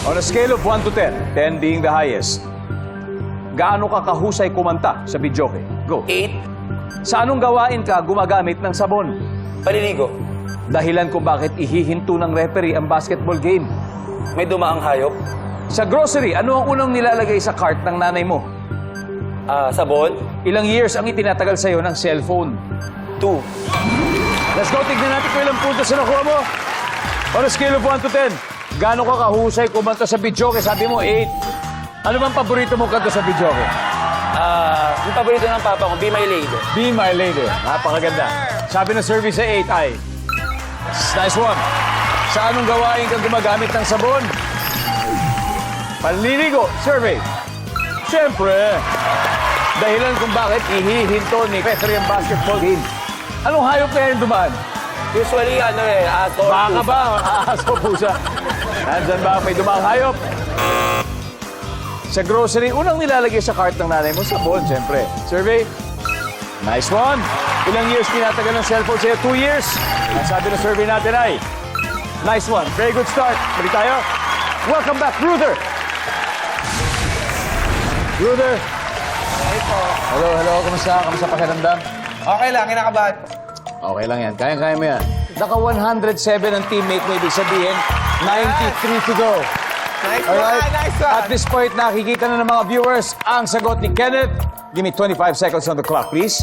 On a scale of 1 to 10, 10 being the highest, gaano ka kahusay kumanta sa videoke? Go. 8. Sa anong gawain ka gumagamit ng sabon? Paliligo. Dahilan kung bakit ihihinto ng referee ang basketball game. May dumaang hayop. Sa grocery, ano ang unang nilalagay sa cart ng nanay mo? Sabon. Ilang years ang itinatagal sa'yo ng cellphone? 2. Let's go, tignan natin kung ilang puntos na nakuha mo. On a scale of 1 to 10, gaano ka kahusay kumanta sa videoke? Sabi mo, 8. Ano bang paborito mong kanta sa videoke? Yung paborito ng papa ko, Be My Lady. Be My Lady. Napakaganda. Sabi ng survey sa 8 ay, nice one. Sa anong gawain kang gumagamit ng sabon? Panliligo. Survey. Siyempre, dahilan kung bakit ihihinto ni referee ang basketball game. Anong hayop kaya yung dumaan? Usually, aso. Baka ba? Aso, pusa. Nandyan ba may dumaang hayop? Sa grocery, unang nilalagay sa cart ng nanay mo, sabon, siyempre. Survey? Nice one. Ilang years pinatagal ng cellphone sa'yo? 2 years. Ang sabi ng survey natin ay, nice one. Very good start. Balik tayo. Welcome back, Ruther. Ruther. Hello, hello. Kamusta? Kamusta pakiramdam? Okay lang, kinakabahan. Okay lang yan. Kaya-kaya mo yan. Naka 107 ang teammate mo. Ibig sabihin, 93 to go. Nice Alright. one, nice one. At this point, nakikita na ng mga viewers ang sagot ni Kenneth. Give me 25 seconds on the clock, please.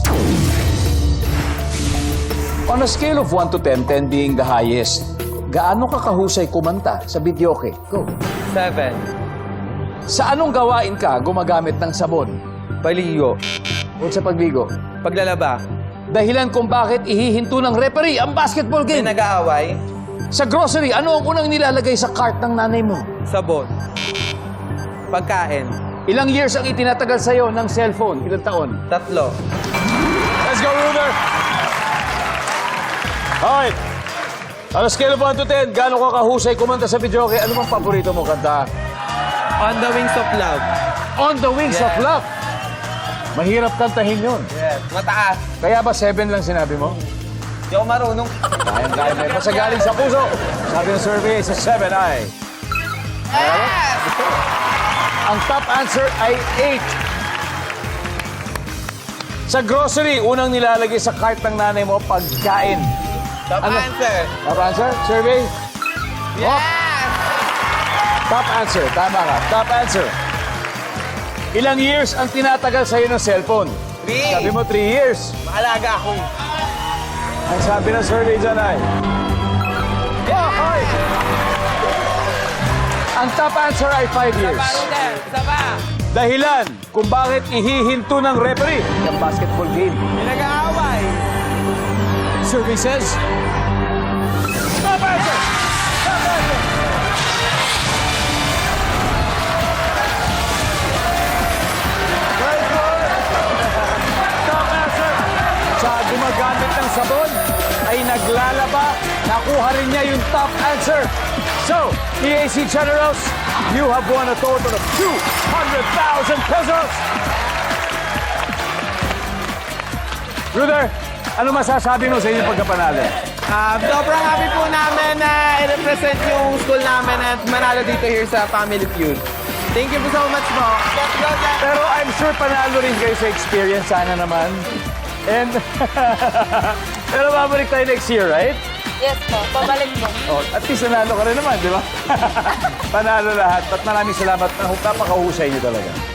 On a scale of 1 to 10, 10 being the highest, gaano ka kahusay kumanta sa videoke? Go. 7. Sa anong gawain ka gumagamit ng sabon? Paligo. O sa pagligo? Paglalaba. Dahilan kung bakit ihihinto ng referee ang basketball May game. nag-aaway. Sa grocery, ano ang unang nilalagay sa cart ng nanay mo? Sabon. Pagkain. Ilang years ang itinatagal sa'yo ng cellphone? Ilang taon? 3. Let's go, Ruder! Alright. On a scale of 1 to 10, gaano ka kahusay kumanta sa videoke? Ano bang paborito mo kanta? On the Wings of Love. On the Wings of Yeah. Love. Mahirap kantahin yun. Yes. Mataas. Kaya ba 7 lang sinabi mo? Di ako marunong. Kaya may basta galing sa puso. Sabi ng survey sa 7 ay... Yes! Ang top answer ay 8. Sa grocery, unang nilalagay sa cart ng nanay mo, pagkain. Top Ano? answer. Top answer? Survey? Yes! Top answer. Tama ka. Top answer. Ilang years ang tinatagal sa'yo ng cellphone? 3. Sabi mo 3 years. Maalaga ako. Ang sabi ng survey dyan ay... Hoy! Ang top answer ay 5 years. Paruder. Isa pa. Dahilan kung bakit ihihinto ng referee ang basketball game. May nag-aaway. Survey says... Top answer! Top answer! Very good! Top answer! Sa gumagamit ng sabon ay naglalaba, nakuha rin niya yung top answer. So, EAC Generals, you have won a total of 200,000 pesos! Ruder, ano masasabi mo sa inyong pagkapanalo? Sobrang happy po namin na i-represent yung school namin at manalo dito here sa Family Feud. Thank you so much po. Let's go, Jack! Pero I'm sure panalo rin kayo sa experience, sana naman. And, pero babalik tayo next year, right? Yes po, pabalik po. Oh, at least nanalo ka rin naman, di ba? Panalo lahat. At maraming salamat. Napakahusay niyo talaga.